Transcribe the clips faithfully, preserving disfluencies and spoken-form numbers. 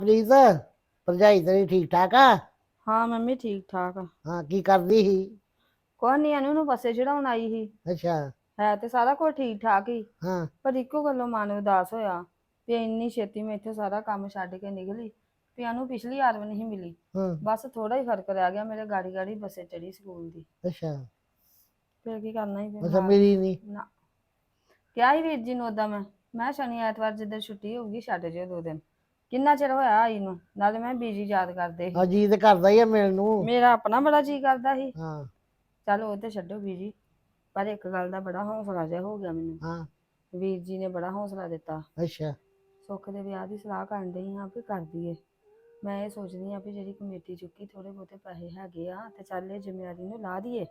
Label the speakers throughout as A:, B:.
A: ਪ੍ਰੀਤ ਭਰਜਾਈ ਤੇਰੀ ਠੀਕ ਠਾਕ ਆ?
B: ਹਾਂ ਮੰਮੀ ਠੀਕ ਠਾਕ ਆ।
A: ਹਾਂ ਕੀ ਕਰਦੀ ਸੀ?
B: ਕੋਈ ਨਹੀਂ ਇਹਨੂੰ ਨੂੰ ਬੱਸੇ ਚੜਾਉਣ ਆਈ ਸੀ।
A: ਅੱਛਾ।
B: ਹੈ ਤੇ ਸਾਰਾ ਕੁਝ ਠੀਕ ਠਾਕ ਹੀ,
A: ਹਾਂ
B: ਪਰ ਇੱਕੋ ਗੱਲੋਂ ਮਨ ਉਦਾਸ ਹੋਇਆ ਵੀ ਇੰਨੀ ਛੇਤੀ ਮੈਂ ਇੱਥੇ ਸਾਰਾ ਕੰਮ ਛੱਡ ਕੇ ਨਿਕਲੀ ਵੀ ਇਹਨੂੰ ਪਿਛਲੀ ਵਾਰ ਵੀ ਨਹੀਂ ਮਿਲੀ।
A: ਹਾਂ।
B: ਬਸ ਥੋੜਾ ਹੀ ਫਰਕ ਰਹਿ ਗਿਆ, ਮੇਰੇ ਗਾੜੀ ਗਾੜੀ ਬੱਸੇ ਚੜੀ ਸਕੂਲ ਦੀ।
A: ਅੱਛਾ।
B: ਫਿਰ ਕੀ ਕਰਨਾ ਹੀ ਫਿਰ
A: ਅੱਛਾ
B: ਨਾਲ
A: ਮੇਰੀ ਨਹੀਂ।
B: ਨਾ ਕਿਹਾ ਹੀ ਵੀਰ ਜੀ ਨੂੰ ਉਦਾਂ ਮੈਂ ਮੈਂ ਸ਼ਨੀ ਐਤਵਾਰ ਜਿੱਦਣ ਛੁੱਟੀ ਹੋਊਗੀ ਛੱਡ ਜਿਓ ਦੋ ਦਿਨ। ਕਿੰਨਾ ਚਿਰ ਹੋਇਆ ਆਈ ਨੂੰ, ਨਾਲੇ ਮੈਂ ਬੀਜੀ ਯਾਦ ਕਰਦੇ ਸੀ।
A: ਹਾਂ ਜੀ ਤੇ ਕਰਦਾ ਹੀ ਆ ਮਿਲਣ ਨੂੰ।
B: ਮੇਰਾ ਆਪਣਾ ਬੜਾ ਜੀ ਕਰਦਾ ਸੀ।
A: ਹਾਂ
B: ਚੱਲ ਉਹ ਤੇ ਛੱਡੋ ਬੀਜੀ, ਪਰ ਇੱਕ ਗੱਲ ਦਾ ਬੜਾ ਹੌਸਲਾ ਜਿਹਾ ਹੋ ਗਿਆ ਮੈਨੂੰ।
A: ਹਾਂ।
B: ਵੀਰ ਜੀ ਨੇ ਬੜਾ ਹੌਸਲਾ ਦਿੱਤਾ।
A: ਅੱਛਾ।
B: ਸੁੱਖ ਦੇ ਵਿਆਹ ਦੀ ਸਲਾਹ ਕਰਨ ਡਈ ਹਾਂ ਵੀ ਕਰ ਦਈਏ। ਮੈਂ ਇਹ ਸੋਚਦੀ ਹਾਂ ਵੀ ਜਿਹੜੀ ਕਮੇਟੀ ਚੁੱਕੀ ਥੋੜੇ ਬਹੁਤੇ ਪੈਸੇ ਹੈਗੇ ਆ ਤੇ ਚੱਲ ਇਹ ਜ਼ਿੰਮੇਵਾਰੀ ਨੂੰ ਲਾ ਦਈਏ।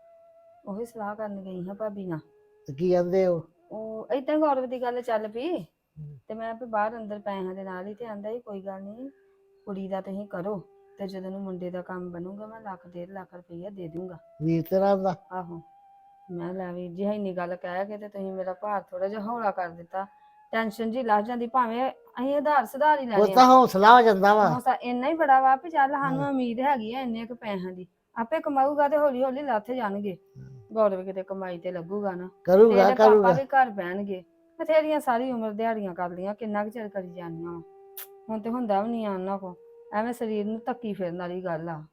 B: ਉਹੀ ਸਲਾਹ ਕਰਨ ਗਈ ਹਾਂ ਭਾਬੀ ਨਾਲ।
A: ਤੇ ਕੀ ਕਹਿੰਦੇ ਉਹ?
B: ਉਹ ਏਦਾਂ ਗੌਰਵ ਦੀ ਗੱਲ ਚੱਲ ਪਈ ਤੇ ਮੈਂ ਵੀ ਬਾਹਰ ਅੰਦਰ ਪੈਸਿਆਂ ਦੇ ਨਾਲ ਹੀ ਤੇ ਆਂਦਾ ਹੀ ਕੋਈ ਗੱਲ ਨਹੀਂ, ਕੁੜੀ ਦਾ ਤੁਸੀਂ ਕਰੋ ਤੇ ਜਦੋਂ ਨੂੰ ਮੁੰਡੇ ਦਾ ਕੰਮ ਬਣੂਗਾ ਮੈਂ ਲੱਖ ਡੇਢ ਲੱਖ ਰੁਪਈਆ ਦੇ ਦੂੰਗਾ।
A: ਵੀਰ ਤੇਰਾ ਦਾ?
B: ਆਹੋ। ਮੈਂ ਲੈ ਵੀਰ ਜੀ ਇੰਨੀ ਗੱਲ ਕਹਿ ਕੇ ਤੇ ਤੁਸੀਂ ਮੇਰਾ ਭਾਰ ਥੋੜਾ ਜਿਹਾ ਹੌਲਾ ਕਰ ਦਿੱਤਾ। ਟੈਨਸ਼ਨ ਜੀ ਲੱਥ ਜਾਂਦੀ, ਭਾਵੇਂ ਅਸੀਂ ਆਧਾਰ ਸੁਧਾਰ ਹੀ
A: ਉਹ
B: ਲੈਣੇ ਆ।
A: ਤਾਂ ਹੌਸਲਾ ਹੋ ਜਾਂਦਾ ਵਾ।
B: ਹੌਸਲਾ ਇੰਨਾ ਹੀ ਬੜਾ ਵਾ ਵੀ ਚੱਲ ਸਾਨੂੰ
A: ਹਾਂ
B: ਉਮੀਦ ਹੈਗੀ ਆ ਇੰਨੇ ਕੁ ਪੈਸਿਆਂ ਦੀ, ਆਪੇ ਕਮਾਊਗਾ ਤੇ ਹੌਲੀ ਹੌਲੀ ਲੱਥ ਜਾਣਗੇ। ਗੌਰਵ ਕਿਤੇ ਕਮਾਈ ਤੇ ਲੱਗੂਗਾ ਨਾ ਤੇ
A: ਕਰੂਗਾ
B: ਇਹਦੇ ਪਾਪਾ
A: ਕਰੂਗਾ।
B: ਵੀ ਘਰ ਬਹਿਣਗੇ। ਬਥੇਰੀਆਂ ਸਾਰੀ ਉਮਰ ਦਿਹਾੜੀਆਂ ਕਰ ਲਈਆਂ, ਕਿੰਨਾ ਕੁ ਚਿਰ ਕਰੀ ਜਾਣੀਆਂ ਵਾ। ਹੁਣ ਤੇ ਹੁੰਦਾ ਵੀ ਨਹੀਂ ਆ ਉਹਨਾਂ ਕੋਲ, ਐਵੇਂ ਸਰੀਰ ਨੂੰ ਧੱਕੀ ਫਿਰਨ ਵਾਲੀ ਗੱਲ ਆ।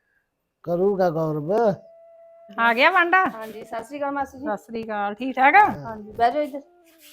A: ਕਰੂਗਾ ਗੌਰਵ।
C: ਆ ਗਿਆ ਵਾਂਡਾ?
B: ਹਾਂਜੀ ਸਤਿ ਸ਼੍ਰੀ ਅਕਾਲ ਮਾਸੀ ਜੀ।
C: ਸਤਿ ਸ੍ਰੀ ਅਕਾਲ। ਠੀਕ ਠਾਕ ਆ?
B: ਹਾਂਜੀ ਬਹਿ ਜਾਓ ਇੱਧਰ।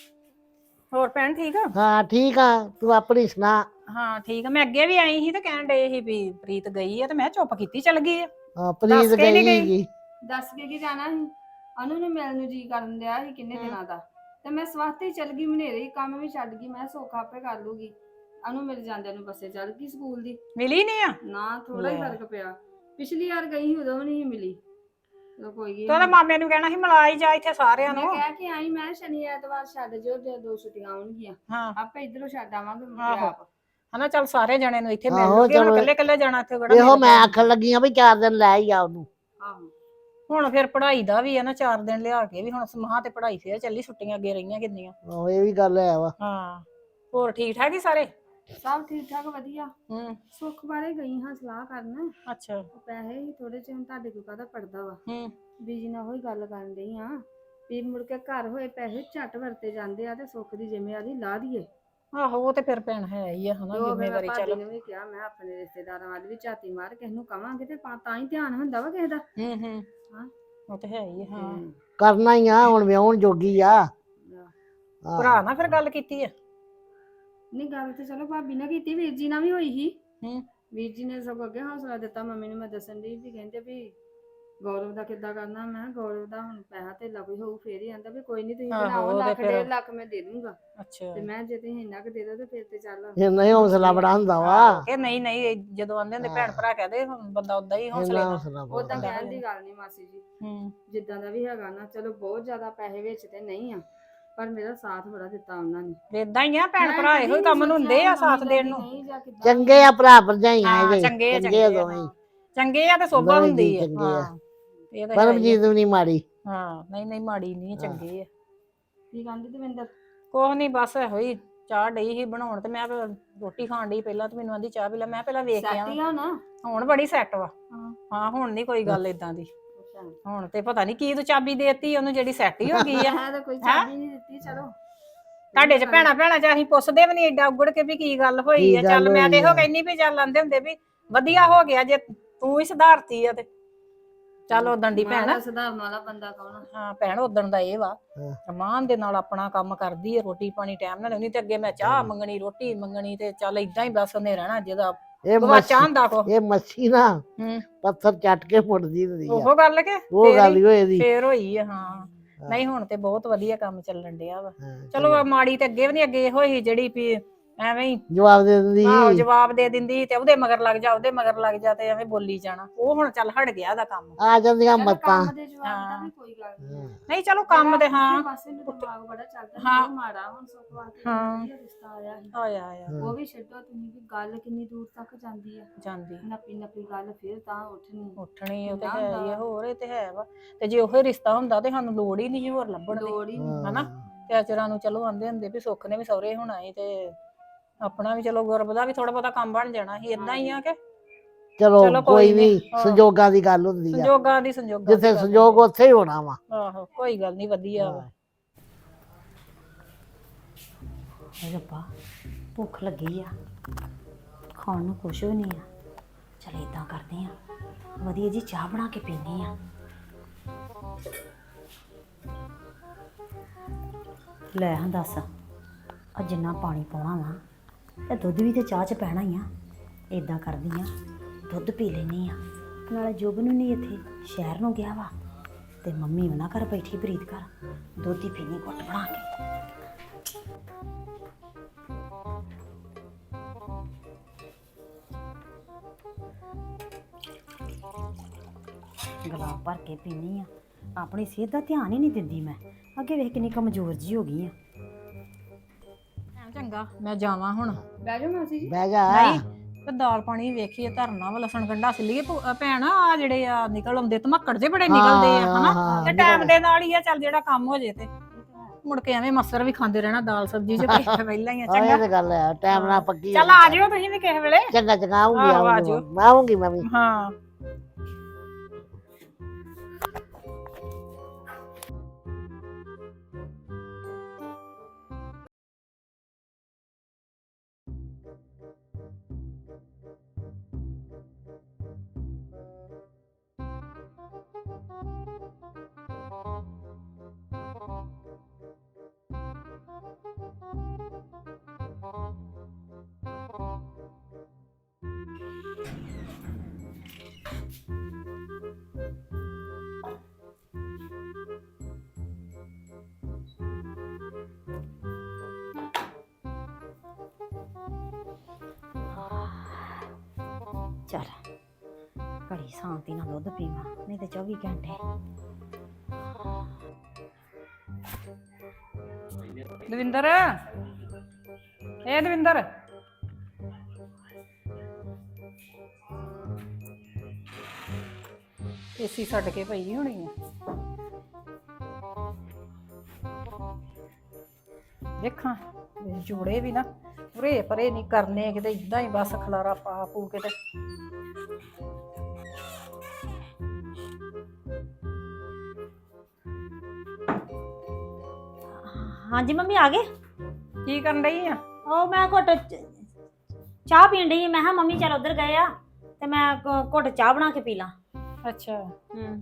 C: ਹੋਰ ਭੈਣ ਠੀਕ ਆ?
A: ਹਾਂ ਠੀਕ ਆ, ਤੂੰ ਆਪਣੀ ਸੁਣਾ?
C: ਹਾਂ ਠੀਕ ਆ। ਮੈਂ ਅੱਗੇ ਵੀ ਆਈ ਸੀ ਤੇ ਕਹਿਣ ਡਏ ਸੀ ਵੀ ਪ੍ਰੀਤ ਗਈ ਆ ਤੇ ਮੈਂ ਚੁੱਪ ਕੀਤੀ ਚਲ ਗਈ ਆ।
A: ਹਾਂ
C: ਦੱਸ
A: ਪ੍ਰੀਤ
C: ਕੇ ਨੀ
A: ਗਈ
C: ਗਈ।
A: ਸੀਗੀ।
B: ਦੱਸ ਕੇ ਕੀ ਜਾਣਾ ਸੀ, ਅਨੂ ਨੇ ਮਿਲਣ ਨੂੰ ਜੀ ਕਰਨ ਦਿਆ ਸੀ ਕਿੰਨੇ ਦਿਨਾਂ ਦਾ, ਤੇ ਮੈਂ ਸਵਾਤੇ ਹੀ ਚਲ ਗਈ, ਮਨੇਰੇ ਹੀ ਕੰਮ ਵੀ ਛੱਡ ਗਈ। ਮੈਂ ਸੌਖਾ ਆਪੇ ਕਰ ਲੂਗੀ। ਅਨੂ ਮੇਰੇ ਜਾਂਦਿਆਂ ਨੂੰ ਬੱਸੇ ਚੜ ਗਈ ਸਕੂਲ ਦੀ।
C: ਮਿਲੀ ਨਹੀਂ ਆ?
B: ਨਾ ਥੋੜਾ ਹੀ
C: ਲੈ।
B: ਫਰਕ ਪਿਆ, ਪਿਛਲੀ ਵਾਰ ਗਈ ਸੀ ਉਦੋਂ ਵੀ ਨਹੀਂ ਮਿਲੀ। ਚਲੋ ਕੋਈ
C: ਤੇ ਉਹਦੇ
B: ਨਹੀਂ,
C: ਮਾਮੇ ਨੂੰ ਕਹਿਣਾ ਸੀ ਮਿਲਾ ਹੀ ਜਾ ਇੱਥੇ ਸਾਰਿਆਂ
B: ਮੈਂ
C: ਨੂੰ।
B: ਕਹਿ ਕੇ ਆਈ ਮੈਂ ਸ਼ਨੀ ਐਤਵਾਰ ਛੱਡ ਜਿਓ ਜੇ ਦੋ ਛੁੱਟੀਆਂ ਆਉਣਗੀਆਂ,
C: ਹਾਂ
B: ਆਪੇ ਇਧਰੋਂ ਛੱਡ ਆਵਾਂਗੇ ਮੁੜ ਕੇ
C: ਆਹੋ
B: ਆਪ।
C: ਹਨਾ, ਚੱਲ ਸਾਰੇ ਜਣੇ ਨੂੰ ਇੱਥੇ ਮਿਲ
A: ਆਹੋ
C: ਲੂਗੇ। ਹੁਣ
A: ਚਲੋ
C: ਇਕੱਲੇ ਇਕੱਲੇ ਜਾਣਾ ਇੱਥੇ ਕਿਹੜਾ
A: ਇਹੋ
C: ਮਿਲਦਾ
A: ਮੈਂ
C: ਹੁੰਦਾ।
A: ਆਖਣ ਲੱਗੀ ਆ ਵੀ ਚਾਰ ਦਿਨ ਲੈ ਹੀ ਆ ਉਹਨੂੰ।
B: ਆਹੋ
C: ਹੁਣ ਫਿਰ ਪੜ੍ਹਾਈ ਦਾ ਵੀ ਆ ਨਾ, ਚਾਰ ਦਿਨ ਲਿਆ ਕੇ ਵੀ ਹੁਣ ਮਹਾਂ ਤੇ ਪੜ੍ਹਾਈ ਫੇਰ ਚੱਲੀ, ਛੁੱਟੀਆਂ ਅੱਗੇ ਰਹੀਆਂ ਕਿੰਨੀਆਂ।
A: ਆਹੋ ਇਹ ਵੀ ਗੱਲ ਹੈ ਵਾ।
C: ਹਾਂ ਹੋਰ ਠੀਕ ਠਾਕ ਹੀ ਸਾਰੇ?
B: ਸਭ ਠੀਕ ਠਾਕ ਵਧੀਆ।
C: ਹੂੰ।
B: ਸੁੱਖ ਬਾਰੇ ਗਈ ਹਾਂ ਸਲਾਹ ਕਰਨ।
C: ਅੱਛਾ।
B: ਉਹ ਪੈਸੇ ਹੀ ਥੋੜੇ ਜਿਹੇ, ਹੁਣ ਤੁਹਾਡੇ ਕੋਲ ਕਾਹਦਾ ਪੜਦਾ ਵਾ।
C: ਹੂੰ।
B: ਬੀਜੀ ਨਾਲ ਉਹੀ ਗੱਲ ਕਰਨ ਡਈ ਆ ਵੀ ਮੁੜ ਕੇ ਘਰ ਹੋਏ ਪੈਸੇ ਝੱਟ ਵਰਤੇ ਜਾਂਦੇ ਆ ਤੇ ਸੁੱਖ ਦੀ ਜ਼ਿੰਮੇਵਾਰੀ ਲਾ ਦਈਏ।
C: ਆਹੋ ਉਹ ਤੇ ਫਿਰ ਭੈਣ ਹੈ ਹੀ ਆ ਹਨਾ,
B: ਤੇ ਉਹ ਫਿਰ ਮੈਂ
C: ਜ਼ਿੰਮੇਵਾਰੀ
B: ਭਾਬੀ
C: ਚੱਲ।
B: ਨੂੰ ਵੀ ਕਿਹਾ, ਮੈਂ ਆਪਣੇ ਰਿਸ਼ਤੇਦਾਰਾਂ ਵੱਲ ਵੀ ਝਾਤੀ ਮਾਰ, ਕਿਸੇ ਨੂੰ ਕਵਾਂਗੇ ਤੇ ਤਾਂ ਹੀ ਧਿਆਨ ਹੁੰਦਾ ਵਾ ਕਿਸੇ ਦਾ।
C: ਹੂੰ ਹੂੰ।
B: ਹਾਂ
C: ਉਹ ਤੇ ਹੈ ਹੀ ਆ। ਹਾਂ
A: ਕਰਨਾ ਹੀ ਆ, ਹੁਣ ਵਿਆਹੁਣ ਜੋਗੀ ਆ।
C: ਭਰਾ ਨਾਲ ਫਿਰ ਗੱਲ ਕੀਤੀ ਆ?
B: ਨਹੀਂ ਗੱਲ ਤੇ ਚਲੋ ਭਾਬੀ ਨਾਲ ਕੀਤੀ, ਵੀਰ ਜੀ ਨਾਲ ਵੀ ਹੋਈ ਸੀ।
C: ਹੂੰ।
B: ਵੀਰ ਜੀ ਨੇ ਸਗੋਂ ਅੱਗੇ ਹੌਸਲਾ ਦਿੱਤਾ ਮੰਮੀ ਨੂੰ। ਮੈਂ ਦੱਸਣ ਦੀ ਵੀ ਕਹਿੰਦੇ ਵੀ ਗੌਰਵ ਦਾ ਕਿੱਦਾਂ ਕਰਨਾ। ਮੈਂ ਗੌਰਵ ਦਾ ਹੁਣ ਪੈਸਾ ਧੇਲਾ ਕੋਈ ਹੋਊ ਫੇਰ ਹੀ। ਆਂਦਾ ਵੀ ਕੋਈ ਨੀ ਤੁਸੀਂ
C: ਆਹੋ
B: ਬਣਾਓ,
C: ਉਹ ਤੇ
B: ਲੱਖ
C: ਫਿਰ।
B: ਡੇਢ ਲੱਖ ਮੈਂ ਦੇ ਦੂੰਗਾ।
C: ਅੱਛਾ।
B: ਤੇ ਮੈਂ ਜੇ ਤੁਸੀਂ ਇੰਨਾ ਕੁ ਦੇ ਦੋ ਤੇ ਫਿਰ ਤੇ ਚੱਲ
A: ਇੰਨਾ ਹੀ ਹੌਸਲਾ ਬੜਾ ਹੁੰਦਾ ਵਾ।
C: ਆਹੋ ਕਿ ਨਹੀਂ ਨਹੀਂ, ਜਦੋਂ ਆਂਦੇ ਹੁੰਦੇ ਭੈਣ ਭਰਾ ਕਹਦੇ ਬੰਦਾ ਓਦਾਂ ਹੀ ਹੌਸਲੇ
A: ਇੰਨਾ
C: ਨਾਲ।
A: ਹੌਸਲਾ
B: ਉਦਾਂ
A: ਬਹੁਤ।
B: ਕਹਿਣ ਦੀ ਗੱਲ ਨਹੀਂ ਮਾਸੀ ਜੀ,
C: ਹੂੰ।
B: ਜਿੱਦਾਂ ਦਾ ਵੀ ਹੈਗਾ ਨਾ, ਚਲੋ ਬਹੁਤ ਜ਼ਿਆਦਾ ਪੈਸੇ ਵਿੱਚ ਤੇ ਨਹੀਂ ਆ, ਪਰ ਮੇਰਾ ਸਾਥ ਬੜਾ ਦਿੱਤਾ ਉਹਨਾਂ ਨੇ।
C: ਏਦਾਂ ਹੀ ਆ, ਭੈਣ
B: ਮੈਂ
C: ਭਰਾ
B: ਕਦੀ
C: ਇਹੋ ਹੀ
B: ਨਹੀਂ
C: ਕੰਮ ਨੂੰ
B: ਸੋਚਿਆ
C: ਹੁੰਦੇ
B: ਵੀ
C: ਆ,
B: ਮੰਮੀ
C: ਸਾਥ ਦੇਣ
B: ਡੈਡੀ
C: ਨੂੰ।
B: ਨਹੀਂ ਜਾਂ ਕਿੱਦਾਂ
A: ਚੰਗੇ
B: ਵੀ।
A: ਆ ਭਰਾ ਭਰਜਾਈਆਂ
C: ਹਾਂ
A: ਇਹਦੇ,
C: ਚੰਗੇ ਆ
A: ਚੰਗੇ ਆ
C: ਚੰਗੇ ਆ।
A: ਦੋਵੇਂ ਹੀ।
C: ਹਾਂ ਚੰਗੇ ਆ ਤੇ ਸੋਭਾ
A: ਦੋਵੇਂ
C: ਹੁੰਦੀ
A: ਜੀ
C: ਆ।
A: ਚੰਗੇ ਆ।
C: ਹਾਂ ਇਹ ਤਾਂ ਹੈ ਹੀ ਆ।
A: ਪਰਮਜੀਤ ਵੀ ਨਹੀਂ ਮਾੜੀ।
C: ਹਾਂ ਨਹੀਂ ਨਹੀਂ ਮਾੜੀ ਨਹੀਂ,
A: ਹਾਂ।
C: ਚੰਗੇ ਆ।
B: ਕੀ ਕਹਿੰਦੀ ਦਵਿੰਦਰ?
C: ਕੁਛ ਨਹੀਂ, ਬਸ ਇਹੋ ਹੀ ਚਾਹ ਡਈ ਸੀ ਬਣਾਉਣ ਤੇ ਮੈਂ ਰੋਟੀ ਖਾਣ ਡਈ ਪਹਿਲਾਂ, ਤੇ ਮੈਨੂੰ ਆਂਦੀ ਚਾਹ ਪੀ ਲੈ। ਮੈਂ ਪਹਿਲਾਂ ਵੇਖ ਕੇ ਆਵਾਂ।
B: ਸੈਟੀ ਆ ਨਾ?
C: ਹੁਣ ਬੜੀ ਸੈੱਟ ਵਾ।
B: ਹਾਂ
C: ਹਾਂ ਹੁਣ ਨਹੀਂ ਕੋਈ ਗੱਲ ਏਦਾਂ ਦੀ।
B: ਅੱਛਾ।
C: ਹੁਣ ਤੇ ਪਤਾ ਨਹੀਂ ਕੀ ਤੂੰ ਚਾਬੀ ਦੇਤੀ ਉਹਨੂੰ ਜਿਹੜੀ ਸੈੱਟ ਹੀ ਹੋ ਗਈ ਆ।
B: ਮੈਂ ਤਾਂ ਕੋਈ
C: ਹੈਂ?
B: ਚਾਬੀ ਨਹੀਂ ਦਿੱਤੀ। ਚਲੋ
C: ਤੁਹਾਡੇ ਚ ਭੈਣਾ ਭੈਣਾ ਚ ਅਸੀਂ ਪੁੱਛਦੇ ਵੀ ਨਹੀਂ ਏਡਾ ਉਗੜ ਕੇ ਵੀ ਕੀ ਗੱਲ ਹੋਈ
A: ਕੀ
C: ਆ।
A: ਗੱਲ
C: ਚੱਲ ਮੈਂ ਤੇ
A: ਹੋਈ
C: ਇਹੋ
A: ਆ।
C: ਕਹਿੰਨੀ ਵੀ ਚੱਲ ਆਂਦੇ ਹੁੰਦੇ ਵੀ ਵਧੀਆ ਹੋ ਗਿਆ ਜੇ ਤੂੰ ਹੀ ਸੁਧਾਰਤੀ ਆ ਤੇ। ਚੱਲ ਉਦਣ ਦੀ ਭੈਣ।
B: ਮਾਂ ਸੁਧਾਰਨ ਵਾਲਾ ਬੰਦਾ ਕੌਣ?
C: ਹਾਂ ਭੈਣ ਉਦਣ ਦਾ ਇਹ ਵਾ,
A: ਹਾਂ।
C: ਰਮਾਨ ਦੇ ਨਾਲ ਆਪਣਾ ਕੰਮ ਕਰਦੀ ਹੈ, ਰੋਟੀ ਪਾਣੀ ਟਾਈਮ ਨਾਲ ਲਿਆਉਂਦੀ। ਤੇ ਅੱਗੇ ਮੈਂ ਚਾਹ ਮੰਗਣੀ, ਰੋਟੀ ਮੰਗਣੀ, ਤੇ ਚੱਲ ਏਦਾਂ ਹੀ ਬਸ ਉਹਨੇ ਰਹਿਣਾ ਜਿਹਦਾ
A: ਇਹ
C: ਗਵਾਚਾ
A: ਮੱਛੀ
C: ਹੁੰਦਾ ਕੋ।
A: ਇਹ ਮੱਛੀ ਨਾ
C: ਹੂੰ।
A: ਪੱਥਰ ਚੱਟ ਕੇ ਮੁੜਦੀ ਹੁੰਦੀ ਆ।
C: ਉਹ ਗੱਲ ਕੇ
A: ਉਹ
C: ਫੇਰ
A: ਗੱਲ
C: ਹੀ
A: ਹੀ ਹੋਏ ਦੀ।
C: ਫੇਰ ਹੋਈ ਆ। ਹਾਂ ਨਹੀਂ ਹੁਣ ਤੇ ਬਹੁਤ ਵਧੀਆ ਕੰਮ ਚੱਲਣ ਡਿਆ ਵਾ।
A: ਹਾਂ,
C: ਚਲੋ ਮਾੜੀ ਤੇ ਅੱਗੇ ਵੀ ਨੀ, ਅੱਗੇ ਇਹੋ ਹੀ ਜਿਹੜੀ ਵੀ ਐਵੇਂ ਹੀ
A: ਜਵਾਬ ਦੇ ਦਿੰਦੀ
C: ਆਹੋ
A: ਸੀ।
C: ਜਵਾਬ ਦੇ ਦਿੰਦੀ ਤੇ ਉਹਦੇ ਮਗਰ ਲੱਗ ਜਾ, ਉਹਦੇ ਮਗਰ ਲੱਗ ਜਾ, ਤੇ ਐਵੇਂ ਬੋਲੀ ਜਾਣਾ। ਉਹ ਹੁਣ ਚੱਲ ਹਟ ਗਿਆ ਦਾ ਕੰਮ।
A: ਆ ਜਾਂਦੀਆਂ
B: ਚਲੋ
A: ਮੱਤਾਂ।
B: ਕੰਮ ਦੇ ਜਵਾਬ ਦਾ ਵੀ ਕੋਈ ਗੱਲ ਨਹੀਂ ਆ।
C: ਨਹੀਂ ਚਲੋ ਕੰਮ ਤੇ ਹਾਂ।
B: ਪਾਸੇ ਨੂੰ ਦਿਮਾਗ ਬੜਾ ਚੱਲਦਾ ਸੀ,
C: ਹਾਂ
B: ਉਹ ਮਾੜਾ। ਹੁਣ ਸੁੱਖ ਵਾਸਤੇ
C: ਹਾਂ
B: ਵਧੀਆ ਰਿਸ਼ਤਾ ਆਇਆ ਸੀ।
C: ਆਇਆ ਆਇਆ
B: ਉਹ ਵੀ ਛੱਡੋ ਤੁਸੀਂ, ਵੀ ਗੱਲ ਕਿੰਨੀ ਦੂਰ ਤੱਕ ਜਾਂਦੀ ਆ।
C: ਜਾਂਦੀ
B: ਨੱਪੀ ਨੱਪੀ ਗੱਲ ਫਿਰ ਤਾਂ ਉੱਠਣੀ
C: ਉੱਠਣੀ। ਉਹ ਤੇ
B: ਕਿੰਨਾ
C: ਹੈ
B: ਹੁੰਦਾ
C: ਹੀ ਆ।
B: ਵਾ।
C: ਹੋਰ ਇਹ ਤੇ ਹੈ ਵਾ। ਤੇ ਜੇ ਉਹੀ ਰਿਸ਼ਤਾ ਹੁੰਦਾ ਤੇ ਸਾਨੂੰ ਲੋੜ ਹੀ ਨਹੀਂ ਹੋਰ ਲੱਭਣ ਦੀ।
B: ਲੋੜ ਹੀ ਨਹੀਂ।
C: ਹਨਾ ਤੇ ਅਚਰਾਂ ਨੂੰ ਚਲੋ ਆਂਦੇ ਹੁੰਦੇ ਵੀ ਸੁੱਖ ਨੇ ਵੀ ਸਹੁਰੇ ਹੋਣਾ ਏ ਤੇ ਆਪਣਾ ਵੀ ਚਲੋ ਗੁਰਬ ਦਾ ਵੀ ਥੋੜਾ ਬਹੁਤਾ ਕੰਮ ਬਣ ਜਾਣਾ ਸੀ ਇਦਾਂ ਹੀ ਆ ਕਿ
A: ਚਲੋ
C: ਚਲੋ ਕੋਈ
A: ਕੋਈ
C: ਨੀ,
A: ਨਹੀਂ
C: ਹਾਂ।
A: ਸੰਜੋਗਾਂ ਦੀ ਗੱਲ ਹੁੰਦੀ ਆ,
C: ਸੰਜੋਗਾਂ ਦੀ ਸੰਜੋਗਾਂ ਦੀ
A: ਜਿੱਥੇ
C: ਗੱਲ
A: ਸੰਜੋਗ ਉੱਥੇ ਹੀ ਹੋਣਾ ਵਾ।
C: ਆਹੋ ਕੋਈ ਗੱਲ ਨਹੀਂ ਵਧੀਆ ਵਾ।
D: ਹਾਏ ਰੱਬਾ ਭੁੱਖ ਲੱਗੀ ਆ, ਖਾਣ ਨੂੰ ਕੁਛ ਵੀ ਨਹੀਂ ਆ। ਚਲ ਇਦਾਂ ਕਰਦੇ ਆ, ਵਧੀਆ ਜੀ ਚਾਹ ਬਣਾ ਕੇ ਪੀਂਦੇ ਆ। ਲੈ ਹਾਂ ਦੱਸ, ਆ ਜਿੰਨਾ ਪਾਣੀ ਪਾਉਣਾ ਵਾ ਤੇ ਦੁੱਧ ਵੀ ਤੇ ਚਾਹ 'ਚ ਪੈਣਾ ਹੀ ਆ। ਇਦਾਂ ਕਰਦੀ ਆ, ਦੁੱਧ ਪੀ ਲੈਣੀ ਆ। ਨਾਲੇ ਜੋਬ ਨੂੰ ਨਹੀਂ ਇੱਥੇ ਸ਼ਹਿਰ ਨੂੰ ਗਿਆ ਵਾ, ਤੇ ਮੰਮੀ ਉਹਨਾਂ ਘਰ ਬੈਠੀ ਪ੍ਰੀਤ ਘਰ, ਦੁੱਧ ਹੀ ਪੀਣੀ ਘੁੱਟ ਬਣਾ ਕੇ। ਗਲਾਸ ਭਰ ਕੇ ਪੀਣੀ ਆ। ਆਪਣੀ ਸਿਹਤ ਦਾ ਧਿਆਨ ਹੀ ਨਹੀਂ ਦਿੰਦੀ ਮੈਂ। ਅੱਗੇ ਵੇਖ ਕਿੰਨੀ ਕਮਜ਼ੋਰ ਜੀ ਹੋ ਗਈ ਆ।
C: ਚੰਗਾ ਮੈਂ ਜਾਵਾਂ ਹੁਣ।
B: ਬਹਿ ਜਾਓ ਮਾਸੀ ਜੀ।
A: ਬਹਿ ਜਾ।
C: ਨਹੀਂ ਤੇ ਦਾਲ ਪਾਣੀ ਵੇਖੀਏ ਧਰਨਾ ਵਾ, ਲਸਣ ਗੰਢਾ ਸਿੱਲੀਏ ਭੈਣ। ਆ ਜਿਹੜੇ ਆ ਨਿਕਲ ਆਉਂਦੇ ਧਮੱਕੜ ਜੇ ਬੜੇ ਨਿਕਲਦੇ ਆ
A: ਹਾਂ,
C: ਹਨਾ,
A: ਹਾਂ,
C: ਤੇ ਟਾਈਮ ਦੇ ਨਾਲ ਹੀ ਆ। ਚੱਲ ਜਿਹੜਾ ਕੰਮ ਹੋ ਜੇ ਤੇ ਮੁੜ ਕੇ ਐਵੇਂ ਮਸਰ ਵੀ ਖਾਂਦੇ ਰਹਿਣਾ ਦਾਲ ਸਬਜ਼ੀ ਚ ਪਹਿਲਾਂ ਹੀ ਆ।
A: ਆਹ ਇਹ
C: ਚੰਗਾ
A: ਤੇ ਗੱਲ ਹੈ, ਟਾਈਮ ਨਾਲ ਪੱਕੀ
C: ਚੱਲ
A: ਹੋਣੀ
C: ਆ ਜਿਓ ਤੁਸੀਂ ਵੀ ਕਿਸੇ ਵੇਲੇ।
A: ਚੰਗਾ ਚੰਗਾ ਆਉਂਗੀ
C: ਆਹੋ, ਆ
A: ਆਉਂਗੀ
C: ਜਾਇਓ।
A: ਮੈਂ ਆਉਂਗੀ ਮੈਂ ਵੀ।
C: ਹਾਂ
D: ਚੱਲ ਘੜੀ ਸ਼ਾਂਤੀ ਨਾਲ ਦੁੱਧ ਪੀਵਾਂ, ਨਹੀਂ ਤੇ ਚੌਵੀ ਘੰਟੇ।
C: ਦਵਿੰਦਰ, ਏ ਦਵਿੰਦਰ, ਏਸੀ ਛੱਡ ਕੇ ਪਈ ਹੋਣੀ ਆ। ਦੇਖਾਂ ਜੋੜੇ ਵੀ ਨਾ ਉਰੇ ਪਰੇ ਨਹੀਂ ਕਰਨੇ ਕਿਤੇ, ਇਦਾਂ ਹੀ ਬਸ ਖਲਾਰਾ ਪਾ ਪੂ ਕੇ ਤੇ।
D: ਹਾਂਜੀ ਮੰਮੀ ਆ ਗਏ।
C: ਕੀ ਕਰਨ ਡਈ ਆ?
D: ਉਹ ਮੈਂ ਘੁੱਟ ਚ- ਚਾਹ ਪੀਣ ਡਈ ਆ। ਮੈਂ ਕਿਹਾ ਮੰਮੀ ਚੱਲ ਉਧਰ ਗਏ ਆ ਤੇ ਮੈਂ ਘ- ਘੁੱਟ ਚਾਹ ਬਣਾ ਕੇ ਪੀ ਲਾਂ।
C: ਅੱਛਾ
D: ਹੂੰ।